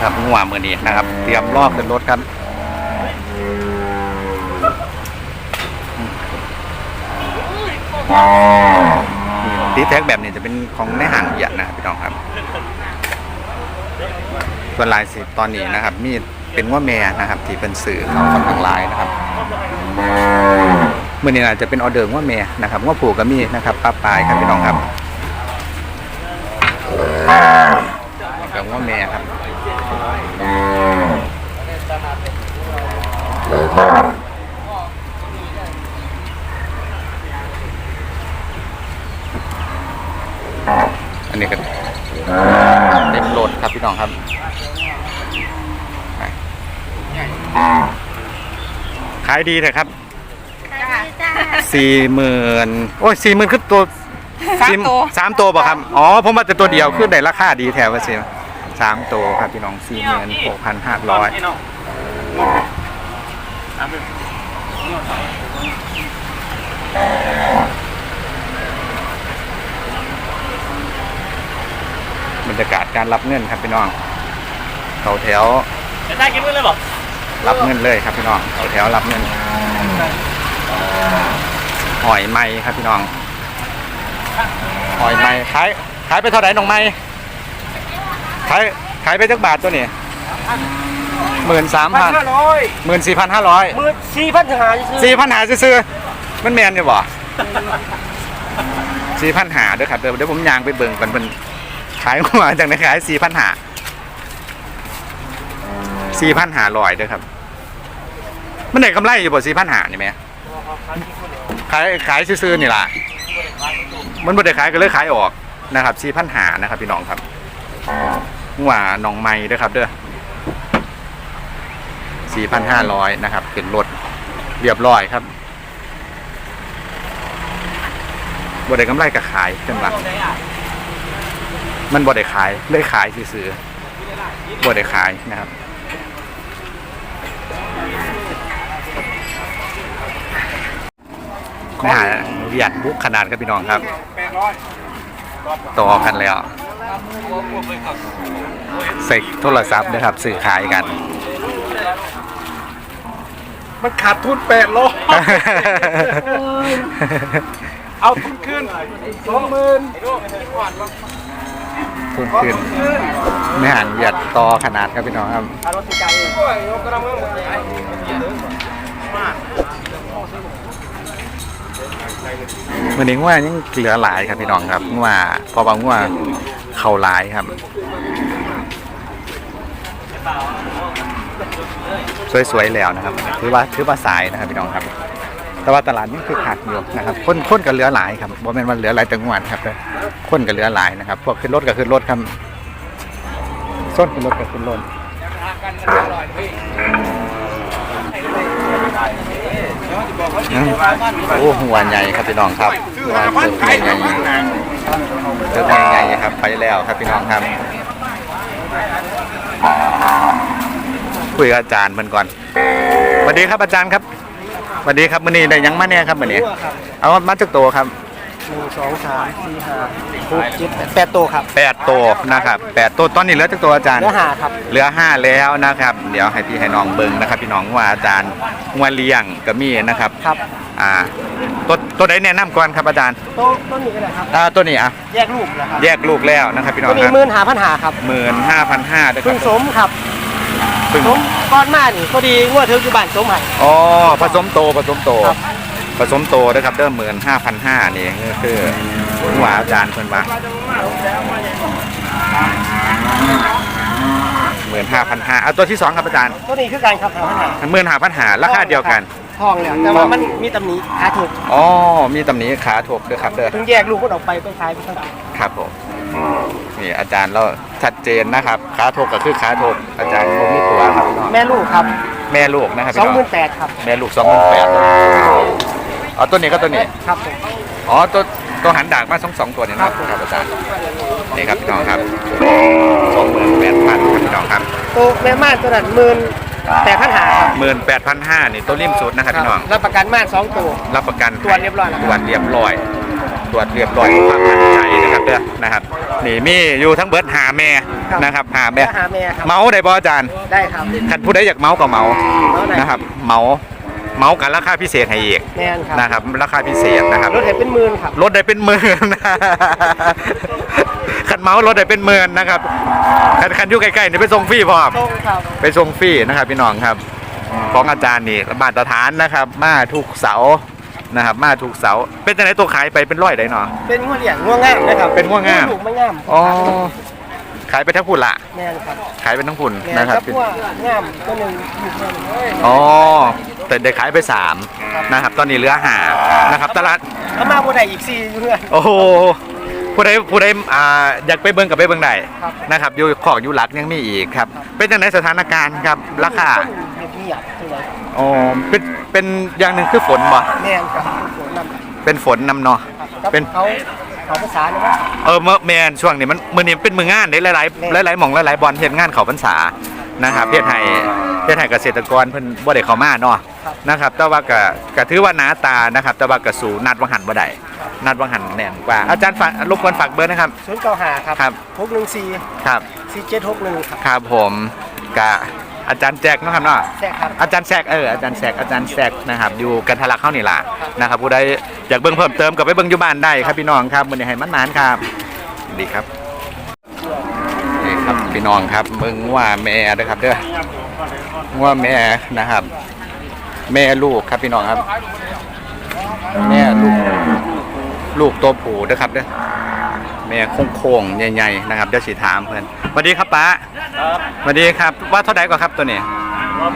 ครับงัวมือนี้นะครับเตรียมลอกขึ้นรถครับตีแท็กแบบนี้จะเป็นของในห้างใหญ่นะครับพี่น้องครับส่วนลายสีตอนนี้นะครับมีเป็นงัวแม่นะครับที่เป็นสื่อเขาค่อนข้างลายนะครับมื่อนี้อาจจะเป็นออเดอร์งัวแม่นะครับงัวผูกก็มีนะครับปลาปลายครับพี่น้องครับกับงัวแม่ครับอันนี้ก็เต็มโหลดครับพี่น้องครับขายดีเถอะครับ40,000โอ้ย40,000คือตัว3 ตัวป่ะครับอ๋อผมว่าแต่ตัวเดียวคือได้ราคาดีแถวว่าสิ3 ตัวครับพี่น้อง46,500บรรยากาศการรับเงินครับพี่น้องเขาแถวได้กินเงินเลยบอกรับเงินเลยครับพี่น้องเขาแถวรับเงินหอยไม้ครับพี่น้องหอยไม้ขายไปเท่าไหร่น้องไม้ขายไปจักบาทตัวนี้13,500 14,500 4,500ซื้อมันแมนอยู่บ่4,500ด้วยครับเดี๋ยวผมย่างไปเบิ่งกันเป็นขายหัวจากไหนขาย4,500ด้วยครับมันได้กำไรอยู่บ่4,500นี่ไหมขายซื้อนี่ล่ะมันบ่ได้ขายก็เลยขายออกนะครับ4,500นะครับพี่น้องครับหัวน้องไม้ด้วยครับเด้อ4,500นะครับเป็นรถเรียบร้อยครับบ่ได้กำไรก็ขายจังหวะมันบ่ได้ขายเลยขายซื้อบ่ได้ขายนะครับนะฮะเวียดบุกขนาดครับพี่น้องครับต่อกันแล้วใส่โทรศัพท์นะครับสื่อขายกันมันขาดทุน800เอาทุนขึ้น20,000 ทุนขึ้นไม่ห่างเวียดต่อขนาดครับพี่น้องครับวันนี้ว่ายังเหลือหลายครับพี่น้องครับว่าพอบางว่าเข่าหลายครับสวยๆแล้วนะครับถือว่าสายนะครับพี่น้องครับแต่ว่าตลาดนี่คือขาดอยู่นะครับคนกับเหลือหลายครับบ่แม่นว่าเหลือหลายจังหวัดครับคนกับเหลือหลายนะครับพวกขึ้นรถกับขึ้นรถครับส้นขึ้นรถกับขึ้นรถโอ้หัวใหญ่ครับพี่น้องครับหัวเติบใหญ่เติบใหญ่ครับไปแล้วครับพี่น้องครับคุยกับอาจารย์มันก่อนสวัสดีครับอาจารย์ครับสวัสดีครับมื้อนี้ได้ยังมาแน่ครับมื้อนี้เอามาจากโตครับ 1 2 3 4 5 6 7 8ตัวครับ 8ตัวนะครับ8ตัวตอนนี้เหลือจากตัวอาจารย์เหลือ5ครับเหลือ5แล้วนะครับเดี๋ยวให้พี่ให้น้องเบิ่งนะครับพี่น้องว่าอาจารย์งัวเลี้ยงก็มีนะครับครับตัวใดแนะนำก่อนครับอาจารย์ต้นนี้ก็ได้ครับตัวนี้แยกลูกนะครับแยกลูกแล้วนะครับพี่น้องครับ 15,500ครับ 15,500ด้วยครับพึ่งสมครับสมก้อนมานี่พอดีงัวเธออยู่บ้านสมให้อ๋อผสมโตนะครับเดิม15,500นี่คือหัวอาจารย์เพิ่นว่า15,500เอาตัวที่2ครับอาจารย์ตัวนี้คือการครับ 15,500ราคาเดียวกันทองแล้วแต่ว่ามันมีตำหนิขาถกอ๋อมีตำหนิขาถกด้วยครับเด้อถึงแยกลูกมันออกไปขายไปเท่าไหร่ครับผมนี่อาจารย์เราชัดเจนนะครับขาถกก็คือขาถกอาจารย์บ่มีตัวครับแม่ลูกครับแม่ลูกนะครับ 28,000ครับแม่ลูก28,000อ๋อตัวนี้ก็ตัวนี้ครับผมอ๋อตัวหันดากมา2ตัวนี่นะครับอาจารย์นี่ครับพี่น้องครับ28,000ครับพี่น้องครับตัวแม่ม่านตัวนั้น18,500ครับ 18,500นี่ตัวริมสุดนะครับพี่น้องรับประกันม่าน2ตัวรับประกันตรวจเรียบร้อยตรวจเรียบร้อยความมั่นใจนะครับเด้อนะครับนี่มีอยู่ทั้งเบิร์ดหาแม่นะครับหาแม่หาแม่ครับเมาได้บ่อาจารย์ได้ครับคันผู้ใดอยากเมาก็เมาเมาไหนนะครับเมากันราคาพิเศษให้อีกแม่นครับนะครับราคาพิเศษนะครับรถเห็นเป็นหมื่นครับรถได้เป็นหมื่น คันเมารถได้เป็นหมื่นนะครับคันอยู่ใกล้ๆนี่ไปส่งฟรีพร้อมตรงครับไปส่งฟรีนะครับพี่น้องครับของอาจารย์นี่มาตรฐานนะครับ มาทุกเสาร์นะครับ มาทุกเสาร์เป็นจังไหนตัวขายไปเป็นร้อยได้เนาะเป็นงัวเหลี่ยงงัวงามนะครับเป็นงัวงามลูกไม่งามอ๋อขายไปทั้งพุ่นละแม่นครับขายไปทั้งพุ่นแม่นนะคครัรับบงัวงามตัวหนึ่งลูกหนึ่งอ๋อแต่ได้ขายไป3นะครับ ตอนนี้เหลือ5นะครับตลาดแล้วมาบัวใดอีก4อยู่เพื่อนโอ้โหผู้ใดอยากไปเบิ่งกับไปเบิ่งได้ครับนะครับอยู่ของอยู่หลักยังมีอีกครับเป็นจังไหนสถานการณ์ครับราคาเงียบๆจังเลยอ๋อเป็นอย่างหนึ่งคือฝนบ่แม่นครับฝนนำเป็นฝนนำเนาะครับเป็นเขาภาษาเนี่ยว่าเมื่อแมนช่วงนี้มันมือนี้เป็นมืองานได้หลายๆหม่องหลายๆบอลเฮ็ดงานเขาพรรษานะครับเฮ็ดให้เกษตรกรเพิ่นบ่ได้เข้ามาเนาะนะครับแต่ว่าก็ถือว่าหนาตานะครับแต่ว่าก็สู่นัดวังหันบ่ได้นัดวังหันแน่นกว่าอาจารย์ฝากรบกวนฝากเบอร์นะครับ 095ครับครับ 614 ครับ 4761ครับครับผมกับอาจารย์แจ็คเนาะครับเนาะแซ่ครับอาจารย์แซกอาจารย์แซกนะครับอยู่กันทะลักเข้านี่ล่ะนะครับผู้ใดอยากเบิ่งเพิ่มเติมก็ไปเบิ่งอยู่บ้านได้ครับพี่น้องครับมื้อนี้ให้มันนานครับดีครับนี่ครับพี่น้องครับเบิ่งว่าแม่เด้อครับเด้อว่าแม่นะครับ แม่ลูกครับพี่น้องครับ แม่ลูกตัวผู้เด้อครับเด้อแม่โค้งๆใหญ่ๆนะครับเดี๋ยวสิถามเพิ่นสวัสดีครับป้าครับสวัสดีครับว่าเท่าไหร่ก่อนครับตัวนี้ว่า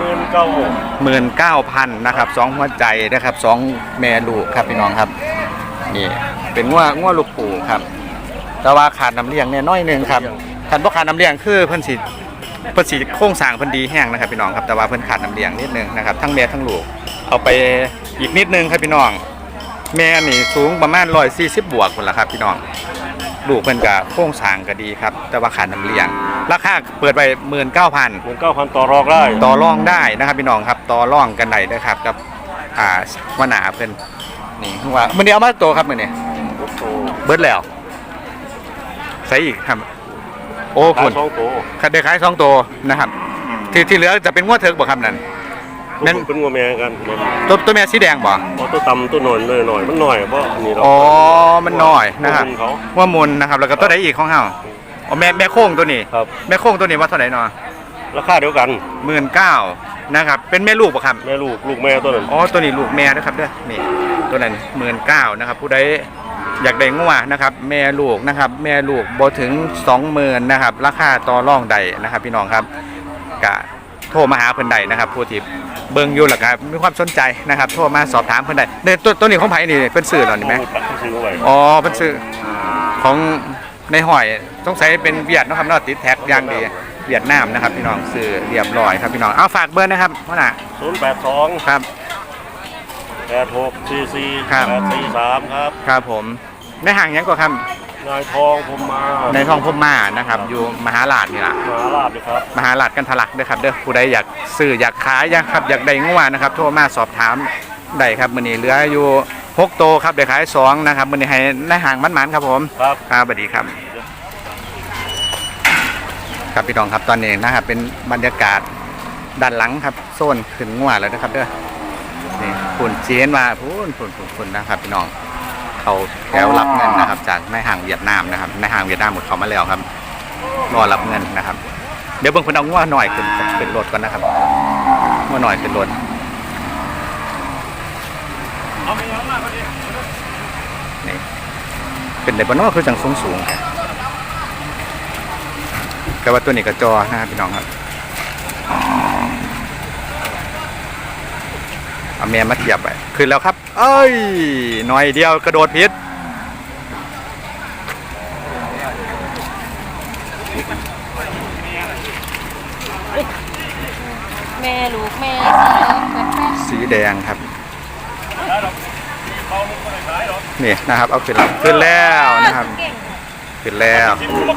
19,000นะครับ2หัวใจนะครับ2แม่ลูกครับพี่น้องครับนี่เป็นงัวลูกปู่ครับแต่ว่าขาดน้ำเลี้ยงเนี่ยน้อยหนึงครับคันบ่ขาดน้ำเลี้ยงคือเพิ่นสิโครงสร้างเพิ่นดีแห้งนะครับพี่น้องครับแต่ว่าเพิ่นขาดน้ำเลี้ยงนิดนึงนะครับทั้งแม่ทั้งลูกเอาไปอีกนิดนึงครับพี่น้องแม่นี่สูงประมาณ140บวกพุ่นล่ะครับพี่น้องลูกเพิ่นก็โครงสร้างก็ดีครับแต่ว่าขาดน้ำเลี้ยงราคาเปิดไป19,000 ต่อรองได้ต่อรองได้นะครับพี่น้องครับต่อรองกันได้นะครับกับวนาเพิ่นนี่ว่ามื้อนี้เอามาตัวครับมื้อนี้เบิดแล้วใส่อีกครับโอ้คุณคันได้ขาย2ตัวนะครับที่เหลือจะเป็นงวดเถิกบ่ครับนั่นแม่นเป็นงัวแม่กันตัวแม่สีแดงบ่ตัวต่ำตัวหน่อยหน่อยมันหน่อยเพราะอันนี้เราอ๋อมันน้อยนะครับเขาว่ามุนนะครับแล้วก็ตัวใดอีกของเฮาอ๋อแม่โค้งตัวนี้ครับแม่โค้งตัวนี้ว่าเท่าไหร่เนาะราคาเดียวกัน 19,000นะครับเป็นแม่ลูกบ่ครับแม่ลูกแม่ตัวนั้นอ๋อตัวนี้ลูกแม่นะครับเด้อนี่ตัวนั้น19,000นะครับผู้ใดอยากได้งัวนะครับแม่ลูกนะครับแม่ลูกบ่ถึง 20,000นะครับราคาต่อรองใดนะครับพี่น้องครับกะโทรมาหาเพิ่นใดนะครับผู้ที่เบิ่งอยู่แล้วก็มีความสนใจนะครับโทรมาสอบถามเพิ่นใดเนี่ยตัวนี้ของไผนี่เป็นสื่อเหรอนี่ไหมตัดซื้อไว้อ๋อเป็นสื่อของในหอยต้องใช้เป็นเวียดนะครับเนาะติดแท็กอย่างดีเวียดนามนะครับพี่น้องสื่อเรียบร้อยครับพี่น้องเอาฝากเบอร์นะครับพ่อหน่ะ 082 ครับ 8644 ครับ 843ครับครับผมในห่างยังกว่าครับนายทองผมมาในท้องพมมานะครับอยู่มหาลาดนี่ล่ะมหาลาบเลยครับมหาลาดกันทะลักเด้อครับเด้อผู้ใดอยากซื้ออยากขายอยากได้งัวนะครับโทรมาสอบถามได้ครับมื้อนี้เหลืออยู่6โตวครับได้ขาย2นะครับมื้อนี้ให้ในห่างมันๆครับผมครับครับสวัสดีครับครับพี่น้องครับตอนนี้นะครับเป็นบรรยากาศด้านหลังครับโซนขึ้นงัวแล้วนะครับเด้อนี่ฝุ่นเจียนมาฝุ่นนะครับพี่น้องเขาแถวรับเงินนะครับจากในห้างเวียดนามนะครับในห้างเวียดนามหมดเขามาแล้วครับรอรับเงินนะครับเดี๋ยวเบิ่งคนเอางัวหน่อยขึ้นรถก่อนนะครับงัวหน่อยขึ้นรถนี่เป็นได้บ่เนาะคือจังสูงๆครับก็ว่าตัวนี้ก็จอนะครับพี่น้องครับเอาแม่มาเทียบไปขึ้นแล้วครับเอ้ยหน่อยเดียวกระโดดพิษแม่ลูกแม่สีแดงแบบแม่สีแดงครับนี่นะครับเอาขึ้นแล้วนะครับเก่งขึ้นแล้ว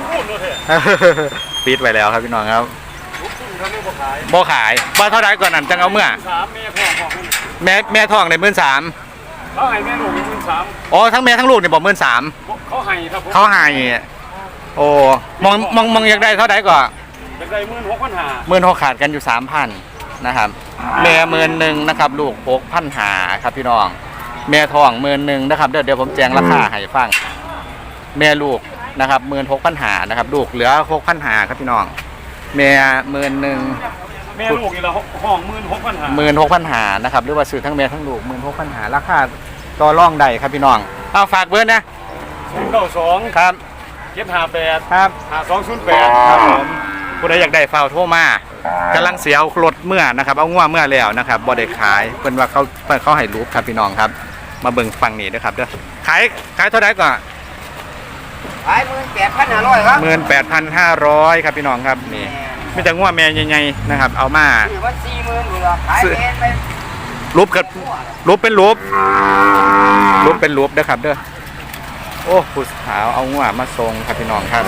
ปิดไว้แล้วครับพี่น้องครับบ่ขายบ่เท่าไรก่อนนั้นจังเอาเมื่อ แม่ทองใน13,000 เขาให้แม่ลูกเป็น13,000 อ๋อทั้งแม่ทั้งลูกเนี่ยบอก13,000 เขาให้ครับผมเขาให้โอ้มองอยากได้เท่าไหร่ก่อนจะได้16,500 16,000ขาดกันอยู่ 3,000นะครับแม่11,000นะครับลูก6,500ครับพี่น้องแม่ทอง11,000นะครับเดี๋ยวผมแจ้งราคาให้ฟังแม่ลูกนะครับ16,500นะครับลูกเหลือ6,500ครับพี่น้องแม่11,000 แม่ลูกนี่ละห้อง16,500 16,500นะครับหรือว่าซื้อทั้งแม่ทั้งลูก16,500ราคาต่อรองได้ครับพี่น้องเอาฝากเบอร์นะ 092 ครับ 758 ครับ 5208 ครับผมผู้ใดอยากได้ฟาวโทรมากำลังเสียเอารถเมื่อนะครับเอาง่วเมื่อแล้วนะครับบ่ได้ขายเพิ่นว่าเขาให้รูปครับพี่น้องครับมาเบิ่งฟังนี่ด้วยครับเด้อขายเท่าไหร่ก่อนขาย18,500ครับ 18,500ครับพี่น้องครับนี่มีแต่ง่วแม่ใหญ่ๆนะครับเอามาถือว่า40,000อยู่ละขายแพงไปรูปกับรูปเป็นรูปเป็นรูปเด้อครับเด้อโอ้ผู้สาวเอาง่วมาทรงครับพี่น้องครับ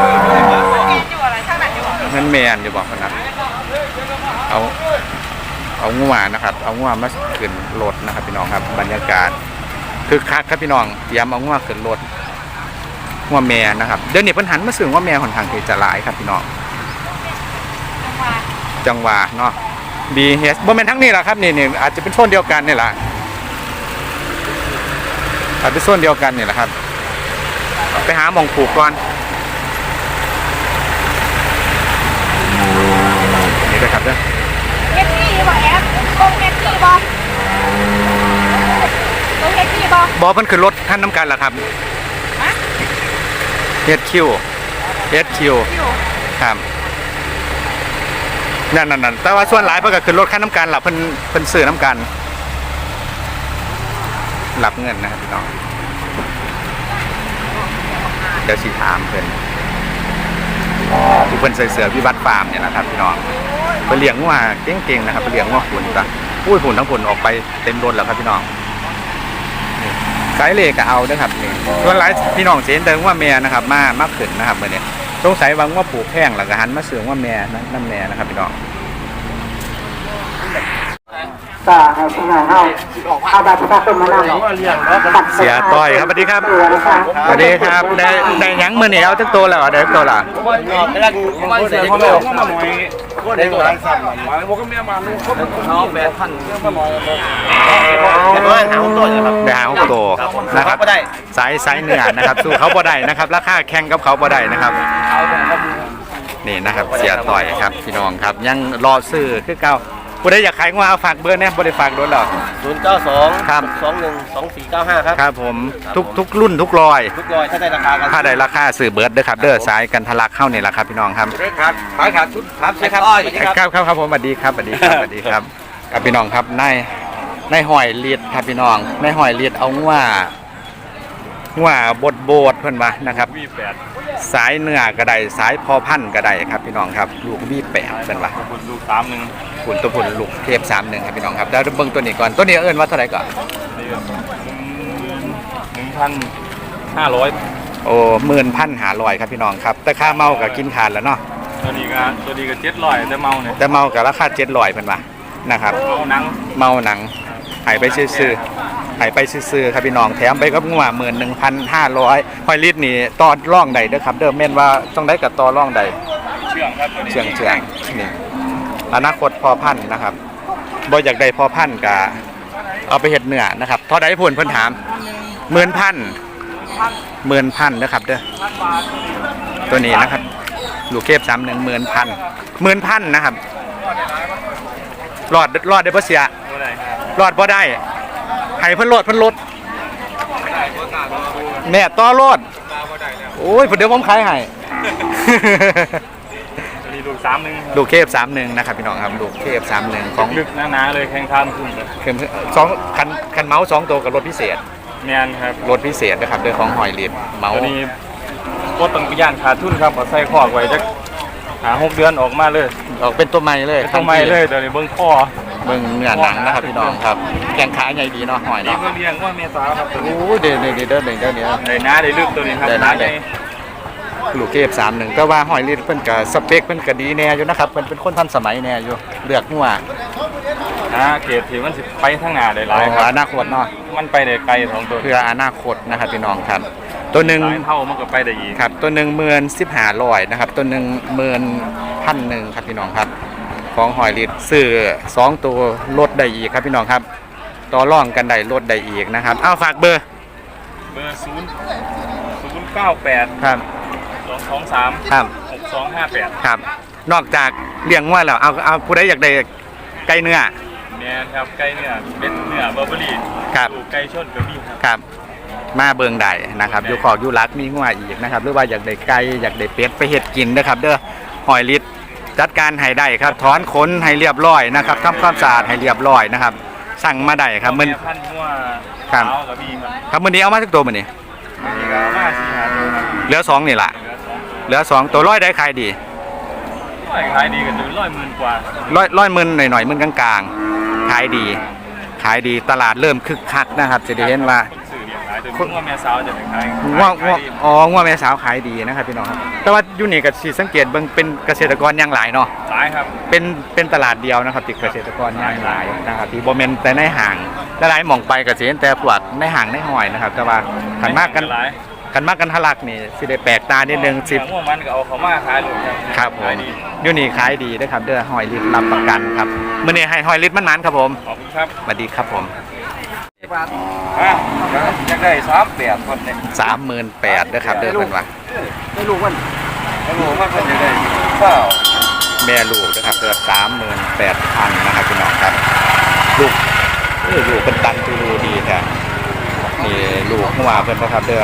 เงินแมนอยู่บอกคนนะเอาง่วนะครับเอาง่วมาขึ้นรถนะครับพี่น้องครับบรรยากาศคือคักครับพี่น้องย้ำเอาง่วขึ้นรถง่วแม่นะครับเดี๋ยวนี้เพิ่นหันมาซื้อง่วแม่ค่อนข้างที่จะหลายครับพี่น้องจังหวะเนาะBH บ่แม่นทั้งนี้แหละครับนี่อาจจะเป็นโซนเดียวกันนี่แหละอาจเป็นโซนเดียวกันนี่แหละครับไปหาหม่องผูกก่อนนี่ด้วยครับเด้อเฮ็ดที่บ่แอปตรงเฮ็ดที่บ่ตรงเฮ็ดที่บ่บอเพิ่นขึ้นรถท่านน้ำกันล่ะครับฮะ HQ ครับนั่นแต่ว่าส่วนหลายเพิ่นก็ขึ้นรถคันน้ำกันล่ะเพิ่นซื้อน้ำกันรับเงินนะครับพี่น้องเดี๋ยวสิถามเพิ่นที่เพิ่นใส่เสื้อวิวัฒน์ฟาร์มเนี่ยนะครับพี่น้องเพิ่นเลี้ยงงัวเก่งๆนะครับเพิ่นเลี้ยงงัวขุนจ้ะอุ้ยขุนทั้งขุนออกไปเต็มรถแล้วครับพี่น้องนี่สายเลก็เอาเด้อครับนี่ส่วนหลายพี่น้องสิเห็นแต่ว่าแม่นะครับมาขึ้นนะครับมื้อนี้สงสัยว่างัวผูกแพงแล้วก็หันมาซื้อว่าแม่นั่นแม่นะครับพี่น้องก็ให้พี่น้องเอาบัตรประชาชนมานำเสียต้อยครับสวัสดีครับสวัสดีครับได้หยังมื้อนี้เอาจักโตแล้วได้จักโตล่ะได้หมดทั้งสั่นมาบ่ก็เมียมาน้อง8,000 ได้หาโตนะครับสายเนื้อนะครับสู้เขาบ่ได้นะครับราคาแข่งกับเขาบ่ได้นะครับนี่นะครับเสียต่อยครับพี่น้องครับยังรอซื้อคือเก่าผู้ใดอยากขายงัวเอาฝากเบอร์เนี่ยบ่ได้ฝากโดนหรอก 092 ครับ 212495ครับครับผมทุกรุ่นทุกรอยทุกรอยถ้าได้ราคากันถ้าได้ราคาซื้อเบิร์ดเด้อครับเด้อสายกันทะลักเข้านี่แหละครับพี่น้องครับขายขาดชุดครับใช่ครับครับผมสวัสดีครับสวัสดีครับสวัสดีครับกับพี่น้องครับในหอยเลียดครับพี่น้องในหอยเลียดเอาว่าบดเพิ่นว่านะครับ V8 สายเนื้อก็ได้สายพอพันธุ์ก็ได้ครับพี่น้องครับลูกV8เพิ่นว่าคุณลูก31 ขุนตัวผุนลูกเทพ31ครับพี่น้องครับแล้วเบิ่งตัวนี้ก่อนตัวนี้เอิ้นว่าเท่าไหร่ก่อน 1,500 โอ้11,500ครับพี่น้องครับแต่ค่าเมาก็กินขาดแล้วเนาะตัวนี้ก็700แต่เมาเนี่ยแต่เมาก็ราคา700เพิ่นว่านะครับเอาหนังเมาหนังหายไปซื่อๆหายไปซื่อๆครับพี่น้องแถมไปกับงัว11,500หอยลิตรนี่ต่อร่องใดเด้อครับเด้อแม่นว่าต้องได้กับต่อร่องใดเชื่องครับตัวนี้เชื่องนี่อนาคตพอพันธุ์นะครับบ่อยากได้พอพันธุ์ก็เอาไปเฮ็ดเนื้อนะครับเท่าใดพุ่นเพิ่นถาม10,000นะครับเด้อตัวนี้นะครับลูกเก็บ31,000 10,000นะครับรอดได้บ่เสียบ่ได้ครับรอดบ่ได้ให้เพิ่นลดแม่ต่อรถโอ้ยเดี๋ยวผมขายให้ตัวนี้ลูก31 ลูกเคฟ31นะครับพี่น้องครับลูกเคฟ31ของลึกหนาๆเลยแข่งทานขึ้นเลยคือ2คันเมาส์2ตัวกับรถพิเศษแม่นครับรถพิเศษนะครับด้วยของหอยลีดเมาส์ตัวนี้บ่ต้องไปย่านขาดทุนครับเอาใส่คอกไว้จัก6 เดือนออกมาเลยออกเป็นตัวใหม่เลยทำไมเลยเดี๋ยวนี้เบิ่งคอเบิ่งเนื้อหนังนะครับพี่น้องครับแกงขาใหญ่ดีเนาะหอยนี่เนาะก็เลี้ยงว่าเมษาครับตัวนี้โอ้เดี๋ยวได้หน้าได้ลึกตัวนี้ครับได้หน้าได้ ลูกเคฟ31ก็ว่าหอยลีดเพิ่นก็สเปคเพิ่นก็ดีแน่อยู่นะครับเพิ่นเป็นคนทันสมัยแน่อยู่เลือกงัวเกรดที่มันสิไปทางหน้าได้หลายคอรับนาคตเนาะมันไปได้ไกลของตัวเพื่ออนาคตนะครับพี่น้องครับตัวหนึ่งหลายเท่ามันก็ไปได้อีกครับตัวหนึ่ง15,500นะครับตัวหนึ่ง11,100ครับพี่น้องครับของหอยลิตรซื้อ2ตัวลดได้อีกครับพี่น้องครับต่อรองกันได้ลดได้อีกนะครับเอาฝากเบอร์เบอร์098 ครับ 223 ครับ 6258 ครับนอกจากเลี้ยงวัวแล้วเอาผู้ใดอยากได้ไก่เนื้อแม่นครับไก่เนื้อเม็ดเนื้อเบอร์เบอรี่ครับสู่ไก่ชนก็มีครับครับมาเบิงได้นะครับอยู่ขอกอยู่รักมีงัวอีกนะครับหรือว่าอยากได้ไก่อยากได้เป็ดไปเฮ็ดกินนะครับเด้อหอยลิตรจัดการให้ได้ครับถอนขนให้เรียบร้อยนะครับทำความสะอาดให้เรียบร้อยนะครับสั่งมาได้ครับมันแพันธุ์งัวครับขาวก็มีครับครับมื้อนี้เอามาสักตัวมื้อนี้มีก็มา4-5ตัวครับเหลือ2นี่ล่ะเหลือ2 เหลือ2ตัวร้อยได้ขายดีขายดีกันจน100,000 กว่าร้อยหมื่นหน่อยๆหมื่นกลางๆขายดีขายดีตลาดเริ่มคึกคักนะครับจะได้เห็นว่าคนสื่อเลี้ยงขายจนงัวแม่สาวจะไปขายง่วงขายดีอ๋อง่วงแม่สาวขายดีนะครับพี่น้องครับแต่ว่าอยู่นี่ก็สิสังเกตเบิ่งเป็นเกษตรกรอย่างหลายเนาะขายครับเป็นตลาดเดียวนะครับที่เกษตรกรอย่างหลายนะครับที่บ่แม่นแต่ในห้างหลายๆหม่องไปก็สิเห็นแต่พวกในห้างในห้อยนะครับแต่ว่าคันมากกันหลายคันมากกันทะลักนี่สิได้แปลกตานิดนึงสิงัวมันก็เอาเขามาขายเลยครับครับผมขายดีอยู่นี่ขายดีนะครับเด้อหอยลิตรรับประกันครับมื้อนี้ให้หอยลิตรมันๆครับผมขอบคุณครับสวัสดีครับผมอยากได้38คนเนี่ย 38,000นะครับเด้อเพิ่นว่าไม่รู้วันไม่รู้ว่าเพิ่นจะได้เปล่าแม่ลูกนะครับเด้อ38,000นะครับพี่น้องครับลูกลูกเป็นตันตูรูดีแท้นี่ลูกหัวเพิ่นนะครับเด้อ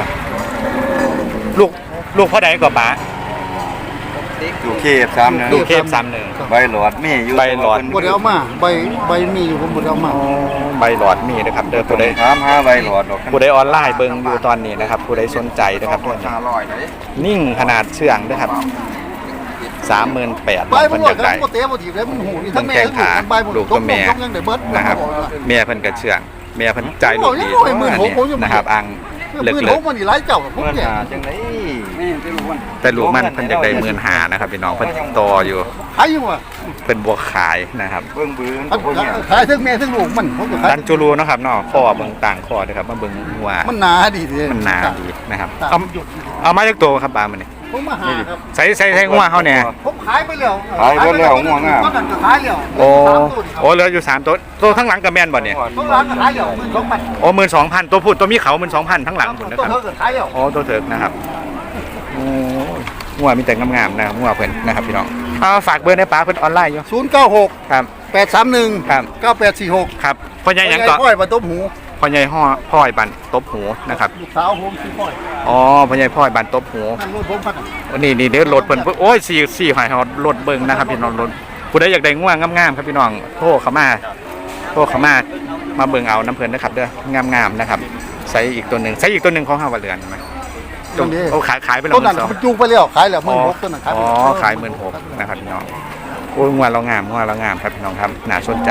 ลูกพ่อใดก็ป๋าอยู่เขต3 ลูกเคฟ31 ใบหลอดมีอยู่ใบหลอดบ่ได้เอามาใบมีอยู่ผมบ่ได้เอามาใบหลอดมีนะครับเด้อตัวผู้ใดใดถามหาใบหลอดดอกผู้ใดออนไลน์เบิ่งอยู่ตอนนี้นะครับผู้ใดสนใจนะครับเด้อ 500เลยนิ่งขนาดเชื่องนะครับ38,000 ใบเพิ่มันนบ่อยากได้ได้บ่เตะบ่ถีบเลยมันหูนี่ทั้งแม่แข้งขาใบบ่ลูกตัวแม่ยังได้เบิดนะครับแม่เพิ่นก็เชื่องแม่เพิ่นใจลูกดีโอ้ย16,000ผมยังนะครับอังเลิกมือเลิผกมมันนี่หลายเจ้าผมเนี่ยจังได๋นี่ไปรู้ว่าแต่ลูกมันเพิ่นอยากได้15,000นะครับพี่น้องเพิ่นโตอยู่ขายอยู่ว่ะเพิ่นบวกขายนะครับเบิ่งบืนตัวพวกเนี่ยขายทั้งแม่ทั้งลูกมันผมก็ขายดันจูรูนะครับเนาะข้อเบิ่งต่างข้อด้วยครับมาเบิ่งหัวมันหนาดีสิมันหนาดีนะครับตาเอามหยุดเอามาจากตัวครับปลามันนี่ผมมาหาครับใส่หัวเฮาเนี่ยผมขายไปแล้วขายไปแล้วง่วงอ่ะก็นั่นก็ขายแล้วโอ้โอ้เหลืออยู่3ตัวทั้งหลังก็แม่นบ่เนี่ยต้องร้านก็ขายแล้ว12,000 โอ้12,000ตัวพูดตัวมีเขา12,000ทั้งหลังพุ่นนะต้คน รับเท่าก็ขายแล้วโอ้ตัวเถิกนะครับโอ้งัวมีแต่งามๆนะครับงัวเพิ่นนะครับพี่น้องเอาฝากเบอร์ในป้าเพิ่นออนไลน์อยู่ 096 ครับ 831 ครับ 9846 ครับพ่อใหญ่หยังก็พ่อยมาต้มหูพ่อใหญ่พ่อยบันตบหูนะครับลูกสาวผมชื่อพ่อยอ๋อพ่อใหญ่พ่อยบันตบหูนั่นรถผมพักนี่เดี๋ยวรถเพิ่นโอ้ยสี่หอยฮอดรถเบิ่งนะครับพี่น้องรถผู้ใดอยากได้ง่วงงามๆครับพี่น้องโทรเข้ามามาเบิ่งเอาน้ำเพิ่นนะครับเด้องามๆนะครับใส่อีกตัวหนึงของเฮาว่าเรือนใช่มั้ยโอ้ขายไปแล้วต้นนั้นมันจูงไปแล้วขายแล้ว16,000ต้นนั้นขายอ๋อขาย16,000นะครับพี่น้องโอ้ยงัวเรางามครับพี่น้องครับน่าสนใจ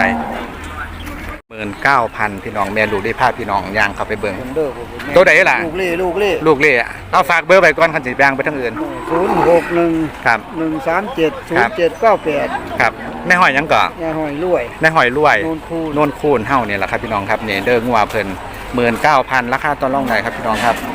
19,000พี่น้องแม่ลูกได้พาพี่น้องย่างเข้าไปเบิ่งตัวใดล่ะลูกเล่ลูกเล่เอาฝากเบอร์ไปก่อนคันสิย่างไปทางอื่น 061 ครับ 137 0798 ครับในหอยหยังก่อนยาหอยรวยในหอยรวยโน่นคูณโน่นคูณเฮ้าเนี่ยแหละครับพี่น้องครับเนี่ยเด้องัวเพิ่น19,000ราคาต่อรองได้ครับพี่น้องครับ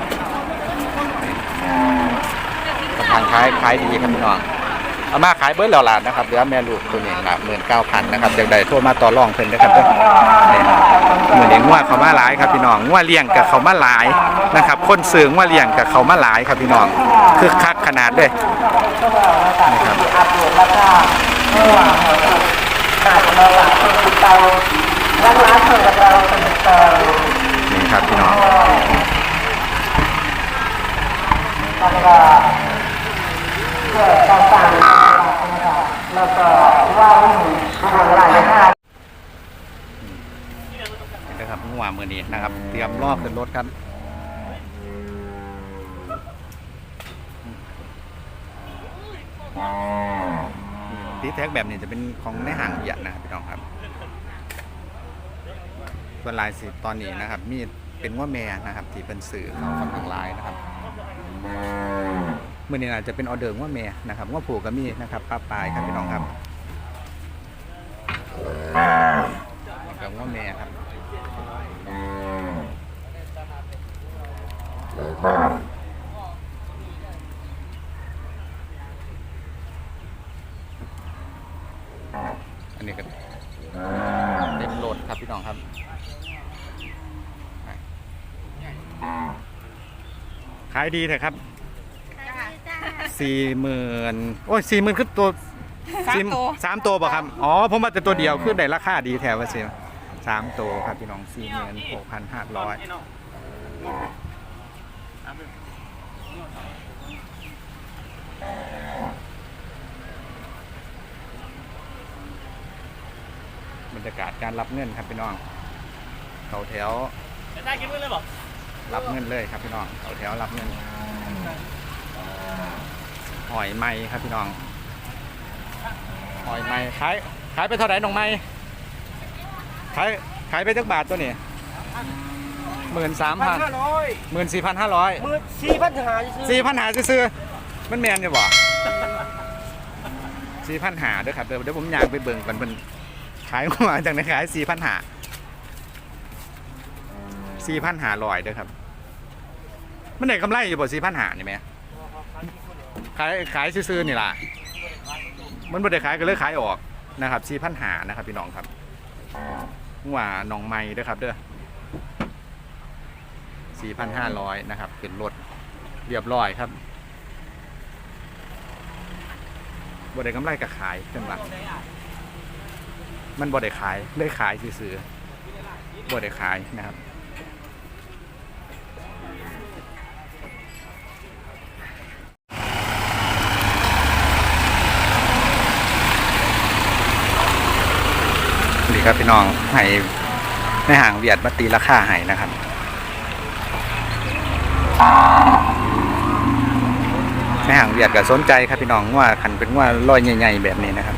ทางขายดีครับพี่น้องเอามาขายเบิดแล้วล่ะนะครับเหลือแม่ลูกตัวนี้ละ19,000นะครับอยากได้โทรมาต่อรองเพิ่นนะครับเด้อนี่มื้อนี้งัวเขามาหลายครับพี่น้องงัวเลี้ยงกับเขามาหลายนะครับคนซื้องัวเลี้ยงกับเขามาหลายครับพี่น้องคึกคักขนาดเลยนี่ครับอัปเดตราคาเมื่อวานขาดเราหลักเป็นเตาร้านเปิดกับเราเป็นเตานี่ครับพี่น้องแล้วก็เพื่อต่างๆแล้วก็ว่าหลายหน้านี่นะครับงัวมื้อนี้นะครับเตรียมรอบขึ้นรถครับตีแท็กแบบนี้จะเป็นของในห้างเบียดนะครับพี่น้องครับส่วนลายสีตอนนี้นะครับมีเป็นว่าแม่นะครับที่เป็นสื่อเขาค่อนข้างหลายนะครับมื่อนี้อาจจะเป็นออเดอร์ว่าแม่นะครับว่าผูกก็มีนะครับป้าปลายครับพี่น้องครับกับว่าแม่ครับอันนี้ก็เต็มโหลดครับพี่น้องครับขายดีเถอะครับ40,000โอ้ย40,000คือตัว3 ตัวป่ะครับอ๋อผมว่าแต่ตัวเดียวคือได้ราคาดีแถวว่าสิ3 ตัวครับพี่น้อง46,500บรรยากาศการรับเงินครับพี่น้องเขาแถวได้กินเงินเลยบอกรับเงินเลยครับพี่น้องเขาแถวรับเงินหอยไม้ครับพี่น้องหอยไม้ขายไปเท่าไหร่น้องไม้ขายไปจักบาทตัวนี้13,000 14,500 4,500ซื้อมันแมนอยู่บ่4,500ด้วยครับเดี๋ยวผมอยากไปเบิ่งกันเป็นขายมาจากไหนขาย4,500ด้วยครับมันได้กำไรอยู่บ่4,500นี่ไหมขายซื้อๆนี่ล่ะมันบ่ได้ขายก็เลยขายออกนะครับ4,500นะครับพี่น้องครับว่าน้องไม้ด้วยครับเด้อ4,500นะครับเป็นรถเรียบร้อยครับบ่ได้กำไรก็ขายเพิ่นว่ามันบ่ได้ขายเลยขายซื้อๆบ่ได้ขายนะครับนี่ครับพี่น้องให้ในห่างเวียดมาตีราคาให้นะครับในห่างเวียดก็สนใจครับพี่น้องว่าขันเป็นว่าร้อยใหญ่ๆแบบนี้นะครับ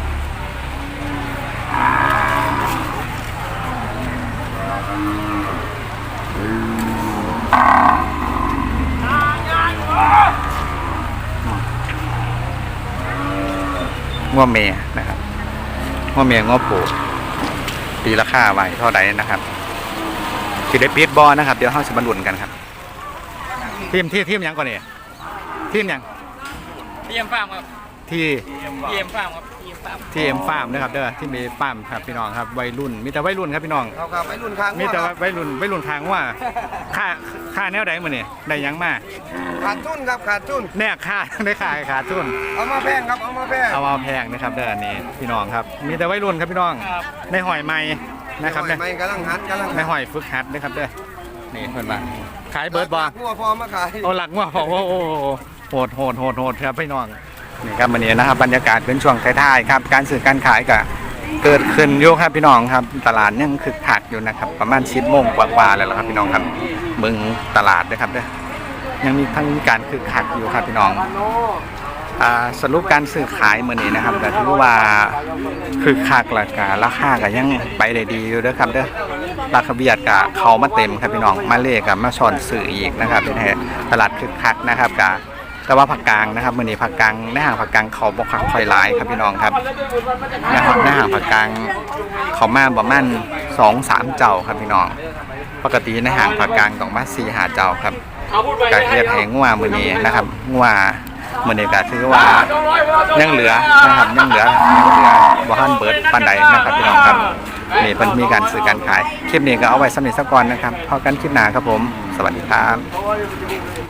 ง้อเมย์นะครับง้อเมย์ง้อปูตีราคาไว้เท่าไหร่นะครับที่ได้ปิดบอนะครับเดี๋ยวเราจะมาลุ้นกันครับทีมยังก่อนเนี่ยทีมยังทีมฟาร์มครับทีมฟาร์มครับทีเอ็มฟาร์มนะครับเด้อที่มีฟาร์มครับพี่น้องครับวัยรุ่นมีแต่วัยรุ่นครับพี่น้องครับวัยรุ่นค้างมีแต่วัยรุ่นทางว่าค่าแนวใดมื้อนี่ได้ยังมาขาดทุนครับขาดทุนแน่ค่าได้ขาดทุนเอามาแพงครับเอามาแพงเอามาแพงนะครับเด้ออันนี้พี่น้องครับมีแต่วัยรุ่นครับพี่น้องในหอยไม้นะครับไม่กำลังหัดในหอยฝึกหัดนะครับเด้อนี่เพิ่นว่าขายเบิร์ดบ่งัวพอมาขายเอาหลักงัวพอโอ้โหดครับพี่น้องนี่ครับวันนี้นะครับบรรยากาศเป็นช่วงท้ายๆครับการซื้อการขายก็เกิดขึ้นอยู่ครับพี่น้องครับตลาดยังคึกคักอยู่นะครับประมาณ10 โมงกว่าๆแล้วครับพี่น้องครับเบิ่งตลาดด้วยครับเด้อยังมีทั้งการคึกคักอยู่ครับพี่น้องสรุปการซื้อขายมื้อนี้นะครับก็ถือว่าคึกคักแล้วก็ราคาก็ยังไปได้ดีอยู่เด้อครับเด้อราคาเบียดก็เข้ามาเต็มครับพี่น้องมาเลขกับมาช้อนซื้ออีกนะครับเป็นตลาดคึกคักนะครับก็แต่ว่าผักกลางนะครับมื้อนี้ผักกลางในห้างผักกลางเขาบ่ค่อยหลายครับพี่น้องครับนะครับในห้างผักกลางเขามาประมาณ 2-3 เจ้าครับพี่น้องปกติในห้างผักกลางต้องมา 4-5 เจ้าครับก็เฮ็ดให้งัวมื้อนี้นะครับงัวมื้อนี้ก็ถือว่ายังเหลือนะครับยังเหลือบ่ทันเบิดปานใดนะครับพี่น้องครับนี่เพิ่นมีการซื้อการขายคลิปนี้ก็เอาไว้สำหรับสักก่อนนะครับพบกันคลิปหน้าครับผมสวัสดีครับ